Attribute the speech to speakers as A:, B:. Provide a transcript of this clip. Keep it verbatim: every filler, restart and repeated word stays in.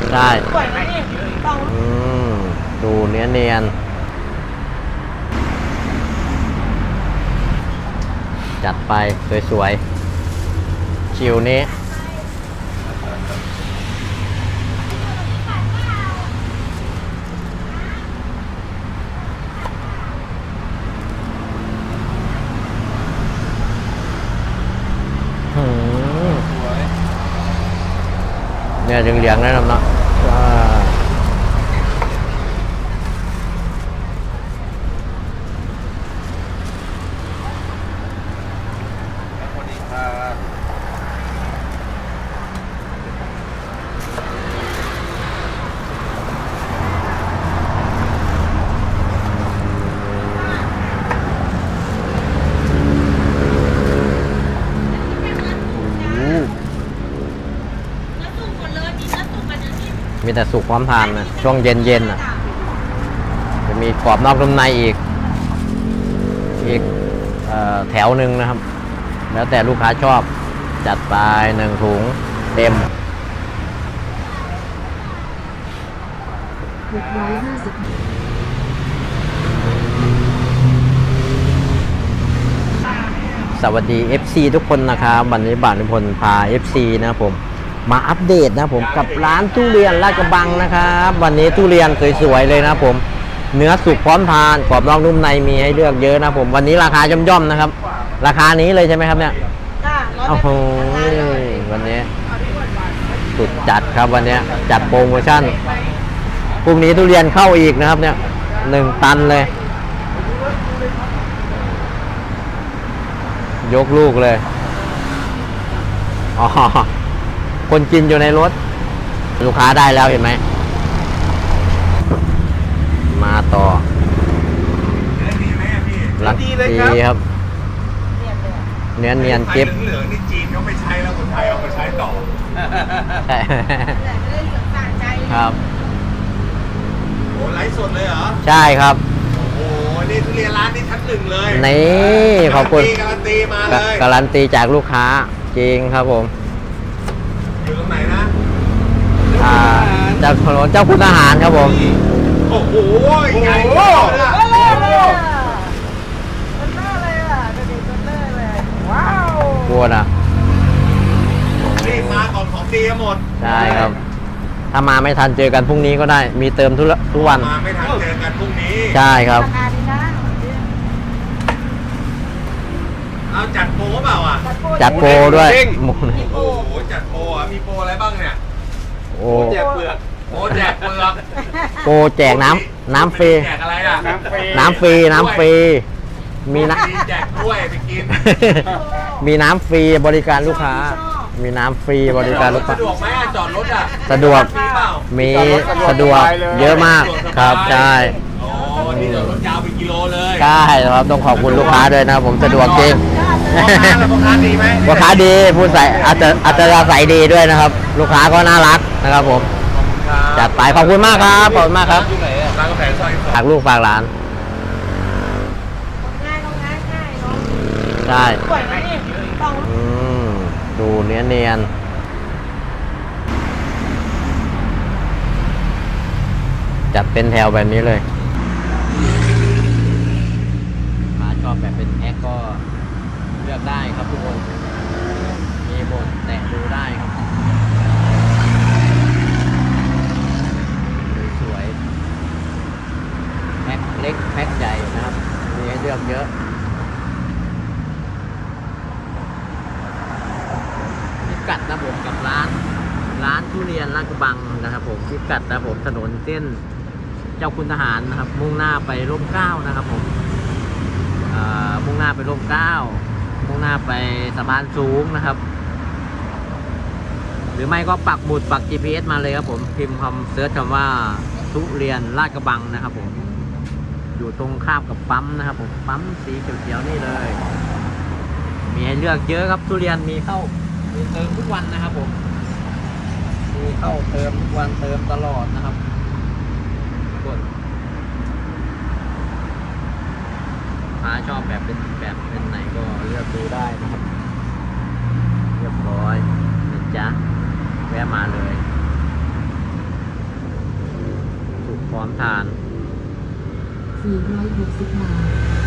A: ได้อืมดูเนียนเนียนจัดไปสวยๆชิวนี้เนี่ยเหลืองๆนั่นเนาะมีแต่สุกพร้อมทานนะช่วงเย็นๆอ่ะจะมีกรอบนอกนุ่มในอีกอีกเอ่อแถวหนึ่งนะครับ แล้วแต่ลูกค้าชอบจัดไปหนึ่งถุงเต็มสวัสดี เอฟ ซี ทุกคนนะครับวันนี้บ่าวนิพนธ์พา เอฟ ซี นะครับผมมาอัปเดตนะผมกับร้านทุเรียนลาดกระบังนะครับวันนี้ทุเรียนสวยๆเลยนะผมเนื้อสุกพร้อมทานกรอบนอกนุ่มในมีให้เลือกเยอะนะผมวันนี้ราคาย่อมๆนะครับราคานี้เลยใช่ไหมครับเนี่ยโอ้โหวันนี้สุดจัดครับวันนี้จัดโปรโมชั่นพรุ่งนี้ทุเรียนเข้าอีกนะครับเนี่ยหนึ่งตันเลยยกลูกเลยอ๋อคนกินอยู่ในรถลูกค้าได้แล้วเห็นไหมมาต่อลักดีครับเนื้อเนียนเก็บ
B: เหลืองๆนี่จีนเขาไม่ใช้แล้วคนไทยเอามาใช้ต่อ
A: ใช่ครับ
B: โอ้ไลฟ์สดเลยเหรอ
A: ใช่ครับ
B: โอ้นี่ทุเรียนร้านนี้ชั้นหนึ่งเลย
A: นี่ขอบคุณ
B: การันตีมาเลย
A: การันตีจากลูกค้าจริงครับผม
B: อยู่ตรงไหนนะ
A: อ่าเจ้าถนนเจ้าคุณทหารครับผม
B: โอ้โหใหญ่มากนะ
A: ว้าวกลัวนะ
B: นี่มาก่อนของดีหมด
A: ใช่ครับถ้ามาไม่ทันเจอกันพรุ่งนี้ก็ได้มีเติมทุกทุกวัน
B: มาไม่ทันเจอกันพรุ่งนี้
A: ใช่ครับ
B: เอาจัดโปรเปล่าอ่ะ
A: จัดโปรด้วย
B: โอ้โหจัดโปรอ่ะมีโปรอะไรบ้างเนี่ย
A: โอ้
B: แจกเปลือกโอ้แจกเปลือก
A: โปรแจกน้ำน้ำฟรี
B: แจกอะไรอ่ะน้ำฟรี
A: น้ำฟรีน้ำฟรีมีน้
B: ำแจกกล้วยไปกิน
A: มีน้ำฟรีบริการลูกค้ามีน้ำฟรีบริการลูกค้า
B: สะดวกไหมจอดรถอ่ะ
A: สะดวกมีสะดวกเยอะมากครับใช่
B: อ๋อนี่จอดรถยาวเป็นกิโลเลย
A: ใช่ครับต้องขอบคุณลูกค้าด้วยนะผมสะดวกจริง
B: พ่อค้าดีไหม
A: พ่อค้าดีพูดใส่อาจจะอาจจะใส่ดีด้วยนะครับลูกค้าก็น่ารักนะครับผมจัดไปขอบคุณมากครับขอบคุณมากครับ
B: ร้านกาแฟซอย
A: ฝากลูกฝากหลานใช่อืมดูเนียนเนียนจัดเป็นแถวแบบนี้เลยมาชอบแบบเป็นแพ็คก็เลือกได้ครับทุกคนมีหมดแตะดูได้ครับสวยๆแพ็คเล็กแพ็คใหญ่นะครับมีให้เลือกเยอะพิกัดนะผมกับร้านร้านทุเรียนลาดกระบังนะครับผมพิกัดนะผมถนนเส้นเจ้าคุณทหารนะครับมุ่งหน้าไปร่มเกล้านะครับผมมุ่งหน้าไปร่มเกล้ามุ่งหน้าไปสะพานสูงนะครับหรือไม่ก็ปักหมุดปัก จี พี เอส มาเลยครับผมพิมพ์คำเซิร์ชคำว่าทุเรียนลาดกระบังนะครับผมอยู่ตรงข้ามกับปั๊มนะครับผมปั๊มสีเขียวๆนี่เลยมีให้เลือกเยอะครับทุเรียนมีเข้ามีเติมทุกวันนะครับผมมีเข้าเติมทุกวันเติมตลอดนะครับกดถ้าชอบแบบเป็นแบบเป็นไหนก็เลือกดูได้นะครับเรียบร้อยนะจ๊ะแวะมาเลยพร้อมทาน
C: สี่ร้อยหกสิบบาท